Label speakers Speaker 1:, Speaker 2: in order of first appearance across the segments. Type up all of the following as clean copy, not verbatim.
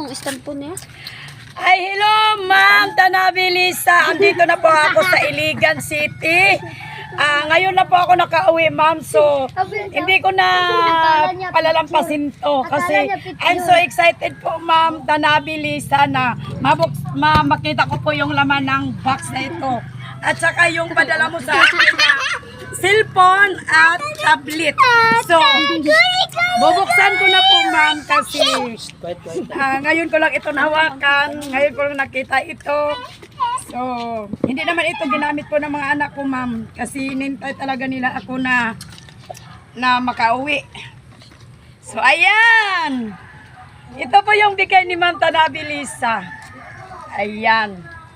Speaker 1: yung stand po niya.
Speaker 2: Ay, hello, Ma'am Tanabe Lisa. Andito na po ako sa Iligan City. Ngayon na po ako nakauwi, Ma'am. So, hindi ko na palalampasin to kasi I'm so excited po, Ma'am Tanabe Lisa, na makita ko po yung laman ng box na ito. At saka yung padala mo sa akin na cellphone at tablet. So, bubuksan ko na po, Ma'am, kasi ngayon ko lang ito nahawakan. Ngayon ko lang nakita ito. So, hindi naman ito ginamit ko ng mga anak ko, Ma'am, kasi hinintay talaga nila ako na makauwi. So, ayan. Ito po yung bigay ni Ma'am Tanabe Lisa. Ayan.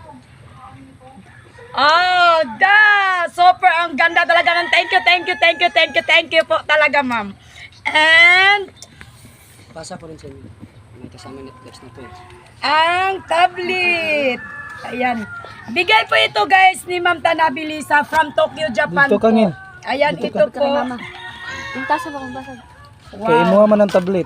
Speaker 2: Oh, super ang ganda talaga ng thank you po talaga, Ma'am. And
Speaker 3: Pasa ko rin sa inyo. May kasama Netflix na po.
Speaker 2: ang tablet. Ayan. Bigay po ito, guys, ni Ma'am Tanabe Lisa from Tokyo, Japan
Speaker 4: Dito
Speaker 2: po.
Speaker 4: kangin.
Speaker 2: Ayan, ito po.
Speaker 1: Yung tasa ba kung basag?
Speaker 4: Kaya mo man ang tablet.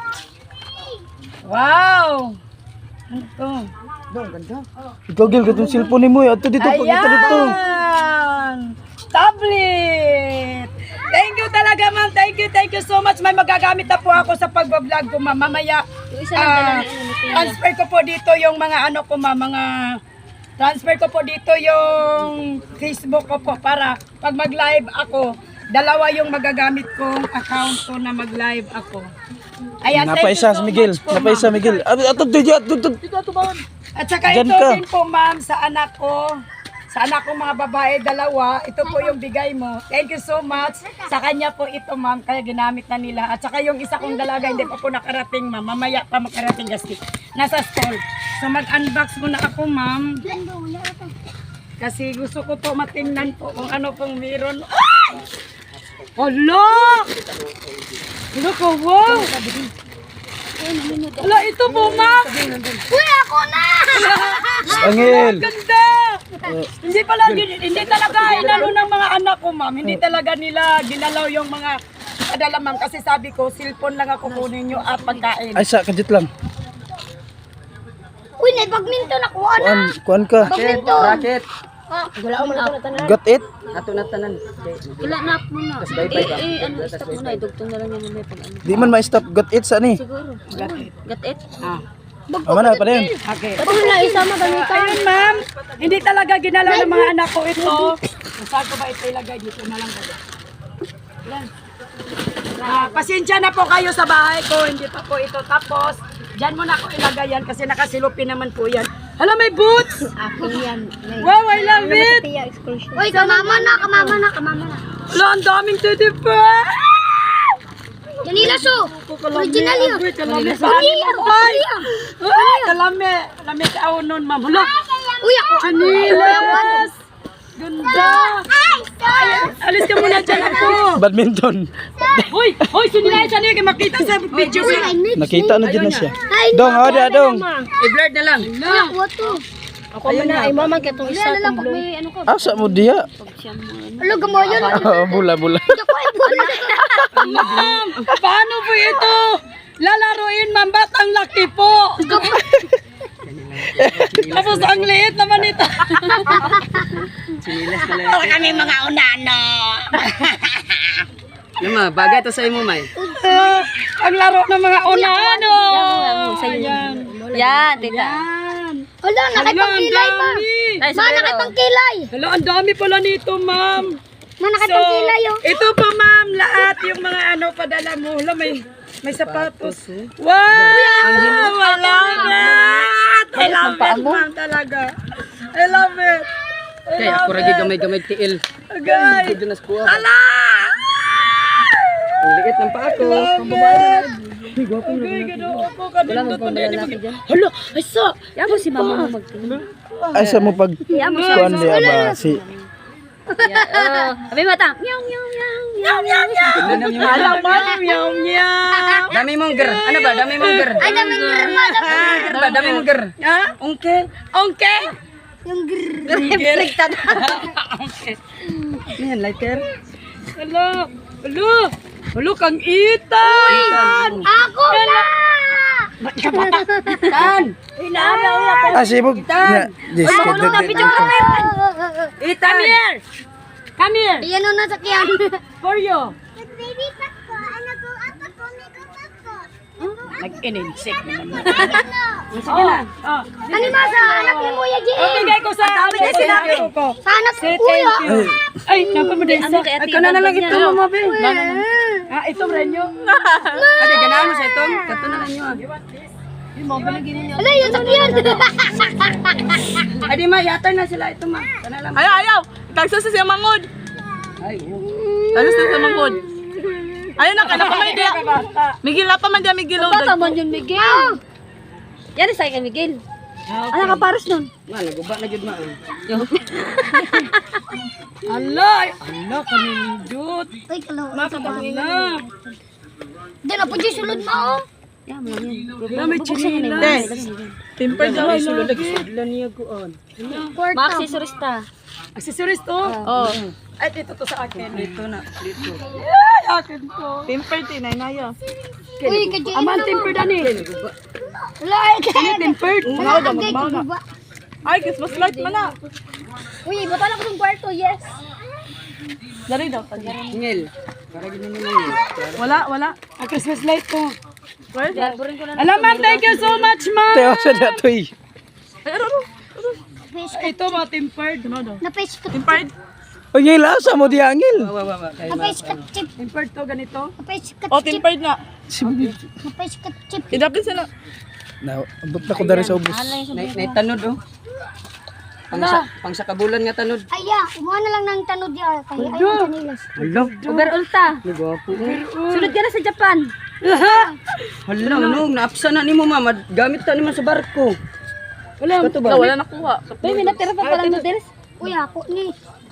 Speaker 2: Wow. Ito.
Speaker 4: Ikaw gil katong cellphone mo. Ato dito pag ito dito.
Speaker 2: Ayan. Tablet. Thank you talaga, Ma'am. Thank you so much. May magagamit na po ako sa pagbablog ko, Ma'am. Mamaya,
Speaker 1: Yung isa lang dala ni Tia.
Speaker 2: transfer ko po dito yung mga ano ko, Ma'am, transfer ko po dito yung Facebook ko po para pag mag-live ako, dalawa yung magagamit kong account ko na mag-live ako. Ayan, thank you
Speaker 4: Napaisa
Speaker 2: so
Speaker 4: si Miguel.
Speaker 2: much po,
Speaker 4: Napaisa
Speaker 2: Ma'am.
Speaker 4: Miguel. Ato dito.
Speaker 2: At saka
Speaker 4: Diyan
Speaker 2: ito
Speaker 4: ka.
Speaker 2: din po, Ma'am, sa anak ko. Sa anak kong mga babae, dalawa. Ito po yung bigay mo. Thank you so much. Sa kanya po ito, Ma'am, kaya ginamit na nila. At saka yung isa kong dalaga, hindi pa po nakarating, Ma'am. Mamaya pa makarating kasi nasa school. So mag-unbox muna ako, Ma'am. Kasi gusto ko po matingnan po kung ano pong meron. Ay! Hala! Hala ko, wow! Hala, ito po, Ma'am! Uy, ako na!
Speaker 4: Angel.
Speaker 2: Ganda! Hindi talaga inalo ng mga anak ko, Ma'am. Hindi talaga nila ginalaw yung mga padala, Ma'am. Kasi sabi ko, cellphone lang ako kunin nyo at pagkain.
Speaker 4: Ay sa kadit lang.
Speaker 1: Uy, na badminton ako ana.
Speaker 4: Kuan ka.
Speaker 3: Racket.
Speaker 1: Wala mo na tanan.
Speaker 4: Got it.
Speaker 3: Ato na tanan.
Speaker 1: Wala na po na. Ano stop mo na idugtong na lang yan may pag ano.
Speaker 4: Di man ma-stop. Got it sa ni.
Speaker 1: Siguro. Got it?
Speaker 4: Ama na pa rin.
Speaker 2: Okay.
Speaker 1: Tapos na isama ganito.
Speaker 2: Ayun, Ma'am. Hindi talaga ginalaw ng mga anak ko ito. Kung saan ko ba ito ilagay? Dito na lang. Yan. Pasensya na po kayo sa bahay ko. Hindi pa po ito tapos. Diyan mo na ako ilagay yan kasi nakasilupin naman po yan. Hala, may boots!
Speaker 1: Akin yan.
Speaker 2: Wow, I love it!
Speaker 1: Uy, kamama na.
Speaker 2: Hala, ang daming teddy bear!
Speaker 1: Janila so. Original yun.
Speaker 2: Ay, kalami. Kalami ka ako nun, Ma'am. Hala,
Speaker 1: Uy, ako.
Speaker 2: Chanilas! Ganda! Ay, alis ka muna dyan ako.
Speaker 4: Badminton.
Speaker 2: Hoy, sinilayan siya niya. Makita sa video siya.
Speaker 4: Nakita na din na siya. Dong, ada dong.
Speaker 3: I-blurred na lang.
Speaker 1: Ako man na ay mama ketong isa tong blue.
Speaker 4: Asa mo diya?
Speaker 1: Alo gamo yun.
Speaker 4: Bula.
Speaker 2: Ma'am, paano po ito? Lalaruin, Ma'am. Ba't ang laki po? Tapos ang liit naman ito.
Speaker 3: Sinilas na lang.
Speaker 2: Para kami mga unano.
Speaker 3: Lama, bagay to sa imo, May.
Speaker 2: Ang laro ng mga unano. Ayan.
Speaker 1: Yan, tita.
Speaker 2: Yan.
Speaker 1: Hala, nakipangkilay ma. Ma, nakipangkilay.
Speaker 2: Hala, ang dami pala nito, Ma'am.
Speaker 1: Ma, nakipangkilay oh.
Speaker 2: Ito pa, Ma'am, lahat yung mga ano padala mo. Hala, may sapatos. Wow! Wala na! I love it, Ma'am, talaga. I love it.
Speaker 3: Kaya ako ragi gamay-gamay tiil.
Speaker 2: Guys!
Speaker 3: Dito na skuha.
Speaker 2: Hala!
Speaker 3: Ang liit ng paa ko.
Speaker 2: Okay, gano'n ako. Kanindot mo din. Hala, ay sa!
Speaker 1: Yan mo si mama mo magtingin.
Speaker 4: Ay sa mo pag kuan diya ba si
Speaker 1: Abi mata. Meow meow meow.
Speaker 2: Hala, Ma'am, yaw meow.
Speaker 3: Dami mong ger. Ano ba? Dami mong ger.
Speaker 1: Ay, dami grma.
Speaker 3: Ger ba? Dami mong ger.
Speaker 2: Ha?
Speaker 3: Ongke.
Speaker 2: Okay?
Speaker 1: Yung grrr.
Speaker 2: Okay.
Speaker 3: Yan, lighter.
Speaker 2: Hala, hala. Hulo kang Ethan!
Speaker 1: Ako na!
Speaker 2: Ethan!
Speaker 4: Sibog. Yes,
Speaker 2: Ethan! Come here! Come here!
Speaker 1: Iyan ang nasakyan.
Speaker 2: For you!
Speaker 1: Baby Pasko, ano ko ako ko, Miko Pasko.
Speaker 2: Nag-ininsik naman.
Speaker 1: Sige
Speaker 2: na. Oh.
Speaker 1: Ano ma sa anak ni Muya Jin?
Speaker 2: Bigay ko sa sinabi ko.
Speaker 1: Sa anak
Speaker 2: Say
Speaker 1: ni Kuya.
Speaker 2: thank you. Ay, napamaday sa. Ay, ka na lang ito, mama, be. Ito, Renyo. Ate, ganahan mo sa ito. Kato na lang yun.
Speaker 1: Ala, yung sakyan.
Speaker 2: Ay, di ma, yata na sila. Ito, ma. Kana lang.
Speaker 5: Ayaw! Tagsa sa siya mangod!
Speaker 2: Ay,
Speaker 5: Tagsa sa mangod! Ayaw na ka na pa man dia! Miguel na pa man dia, Miguel!
Speaker 1: Bata man yun, Miguel. Yan sa akin, Miguel. Ano ka pares nun?
Speaker 2: ma, naguba na yun, ma. Ala, kanindot.
Speaker 1: Ay, kalaw.
Speaker 2: Ala.
Speaker 1: Di na po dyan sulod mo.
Speaker 2: Na, may chinila.
Speaker 5: Timper daw.
Speaker 2: Ay, sulod lagi sudlan niya kuon.
Speaker 1: Maksesorista.
Speaker 2: Accessories to?
Speaker 5: Oh.
Speaker 2: Ay, dito to sa akin. Dito na. Dito.
Speaker 5: Ay, akin to. Timper, tinay na yun.
Speaker 1: Uy, kadyan
Speaker 2: Aman, temper dani.
Speaker 1: Wala,
Speaker 2: Kani tempered. Mga daw,
Speaker 1: Agay,
Speaker 2: magmana.
Speaker 1: kububa.
Speaker 5: Ay, Christmas light man na.
Speaker 1: Uy, bata na ko ng kwarto, yes.
Speaker 5: Dari daw.
Speaker 2: Ngel. Para ganyan na lang.
Speaker 5: Wala.
Speaker 2: Ang Christmas light ko.
Speaker 5: Well,
Speaker 2: Alam, ma'am, thank you so much, ma'am.
Speaker 4: Tayo sa dato eh.
Speaker 2: Ito, mga tempered.
Speaker 1: Na-face ka.
Speaker 5: Timper.
Speaker 4: O ngayon lasa mo di angil.
Speaker 1: Na-face ka chip.
Speaker 2: Tempered to, ganito.
Speaker 1: Na-face ka
Speaker 5: Oh,
Speaker 1: chip.
Speaker 5: timper na.
Speaker 1: Na-face ka chip.
Speaker 5: Idapin sila.
Speaker 4: Na, abot na ko dari sa ubos.
Speaker 2: Naitanod, oh. Pang sa kabulan nga tanod.
Speaker 1: Aya, umuha na lang ng tanod niya. Kaya ayun, kanilas.
Speaker 2: Hala.
Speaker 1: Overall ta.
Speaker 2: Nagwapo.
Speaker 1: Sunod ka na sa Japan.
Speaker 2: Hala, no. Naapsa na ni mo, mama. Gamit ta naman sa barko. Wala. Ito ba?
Speaker 5: Wala nakuha.
Speaker 1: Uy, may natira pa pala noodles. Uy, ako ni.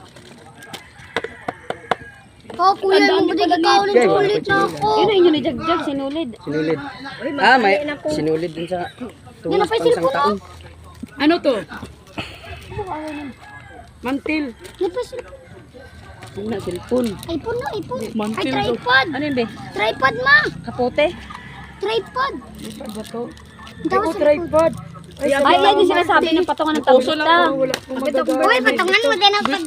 Speaker 1: Oh, kuya, mo ba ikaw ulit ulit na ako? Yun ang inyo ni Jagjag, sinulid.
Speaker 2: Sinulid. May sinulid din sa
Speaker 1: Yan na pa yung cellphone mo.
Speaker 2: Ano to? Mantil.
Speaker 1: Yan pa yung cellphone.
Speaker 2: Ano na, cellphone.
Speaker 1: iPhone na, iPhone. Ay, tripod.
Speaker 2: Ano yun, be?
Speaker 1: Tripod, ma.
Speaker 2: Kapote?
Speaker 1: Tripod.
Speaker 2: Ano ba to?
Speaker 1: Ang tawag sa tripod.
Speaker 2: Ay,
Speaker 1: Ay, yan yung sinasabi ng patungan ng tableta.
Speaker 2: Uy,
Speaker 1: patungan mo din ang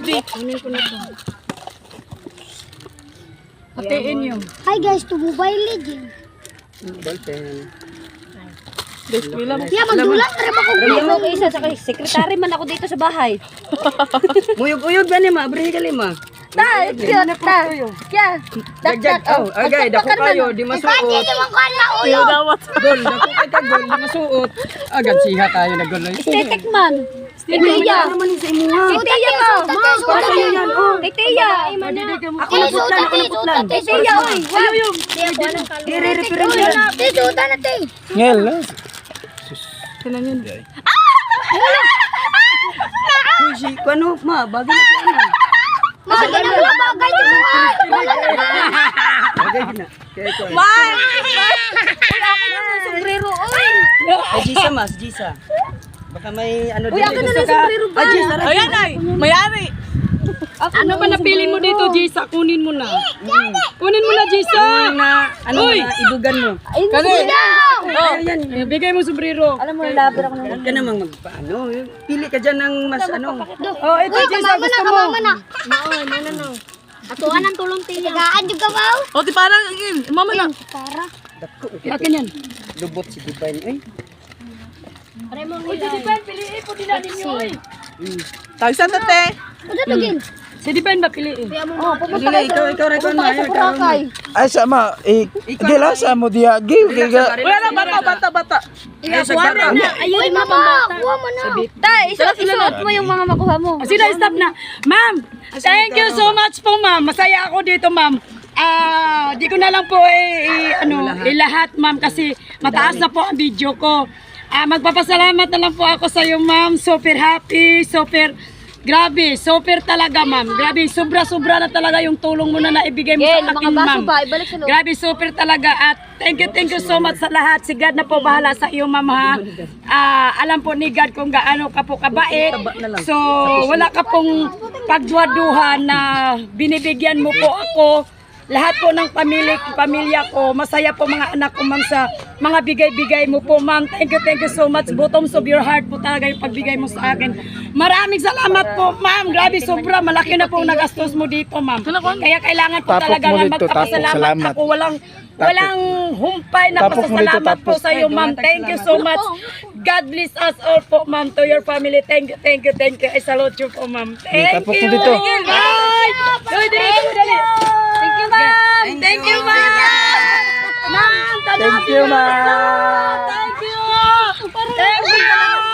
Speaker 2: Hatiin yun.
Speaker 1: Hi guys, to Mobile Legends.
Speaker 2: Ballpen.
Speaker 1: Yeah, magdulang na rin ako. Ako isa sa sekretary man ako dito sa bahay.
Speaker 2: Muyog-uyog ba ni ma? Abrihe ka lima.
Speaker 1: Ta, cute ta. Yeah.
Speaker 2: Dagjag. Oh, agay. Dako kayo. Di masuot.
Speaker 1: Hindi mo ko na ulo.
Speaker 2: Gol. Dako kay ka gol. Di masuot. Agad siha tayo na gol.
Speaker 1: Estetik man. Titiya. Titiya ka. Titiya. Ako na putlan. Ako na putlan. Titiya. Wala yung. Tisuta na te.
Speaker 4: Ngel.
Speaker 2: Uy, si Kuano, ma. Bagay na siya na.
Speaker 1: Bagay na mga bagay.
Speaker 2: Bagay na. Kaya ko.
Speaker 1: Sombrero. Uy.
Speaker 2: Ay, Gisa mas. Gisa. Baka may ano
Speaker 1: Uy, ako na lang sombrero ba?
Speaker 2: Ay, Gisa.
Speaker 5: Ayan ay, mayari.
Speaker 2: Ano ba napili mo dito, Gisa? Kunin mo na. Kunin mo na, Gisa. Na, ano na, ibugan mo.
Speaker 5: Kani.
Speaker 2: Oh, yan. Bigay mo sombrero.
Speaker 1: Alam mo, labar ako na.
Speaker 2: Huwag ka namang magpaano. Pili ka dyan ng mas ano.
Speaker 1: Oh, ito Gisa, gusto mo. Kamama na. No. Atuan ang tulong tiya. Tagaan juga ba?
Speaker 5: O, di parang, mama na.
Speaker 1: Para.
Speaker 2: Dako. Akin yan. Lubot si Divine. Ay.
Speaker 1: Uy, si Dipan, piliin po din natin yun.
Speaker 5: Tagsan na te.
Speaker 1: Ano tugin?
Speaker 2: Si Divine ba piliin?
Speaker 1: Oh, pupunta
Speaker 2: Dili, ikaw, Rekon na.
Speaker 1: Boracay.
Speaker 4: Ay sama gil lasa mo di gil kaya
Speaker 5: Wala na, bata.
Speaker 2: Ay, sa gara.
Speaker 1: Ayun, mama. Kuha mo na. Tay, isuot mo yung mga makuha mo.
Speaker 2: Sino, stop na. Ma'am, thank you so much po, ma'am. Masaya ako dito, ma'am. Di ko na lang po ilahat, ma'am, kasi mataas na po ang video ko. Magpapasalamat na lang po ako sa iyo, ma'am. Super happy, super grabe, super talaga, ma'am. Grabe, sobra-sobra na talaga yung tulong mo na naibigay mo sa akin, ma'am.
Speaker 1: Ibalik sa loob.
Speaker 2: Grabe, super talaga. At thank you so much sa lahat. Si God na po bahala sa iyo, ma'am, ha. Alam po ni God kung gaano ka po kabait. So, wala ka pong pagduwa-duha na binibigyan mo po ako lahat po ng pamilya ko, masaya po mga anak ko, ma'am, sa mga bigay-bigay mo po, ma'am. Thank you so much. Bottoms of your heart po talaga yung pagbigay mo sa akin. Maraming salamat po, ma'am. Grabe, sobra. Malaki na po ang nagastos mo dito, ma'am. Kaya kailangan po
Speaker 4: Tapos
Speaker 2: talaga
Speaker 4: mo
Speaker 2: nga
Speaker 4: dito,
Speaker 2: magpapasalamat
Speaker 4: tapos, salamat.
Speaker 2: ako. Walang humpay na
Speaker 4: Tapos mo dito,
Speaker 2: pasasalamat po
Speaker 4: tapos.
Speaker 2: sa iyo, ma'am. Thank you so much. God bless us all po, ma'am, to your family. Thank you. I salute you po, ma'am. Thank
Speaker 4: tapos mo
Speaker 2: you.
Speaker 4: dito.
Speaker 2: Bye! Dali.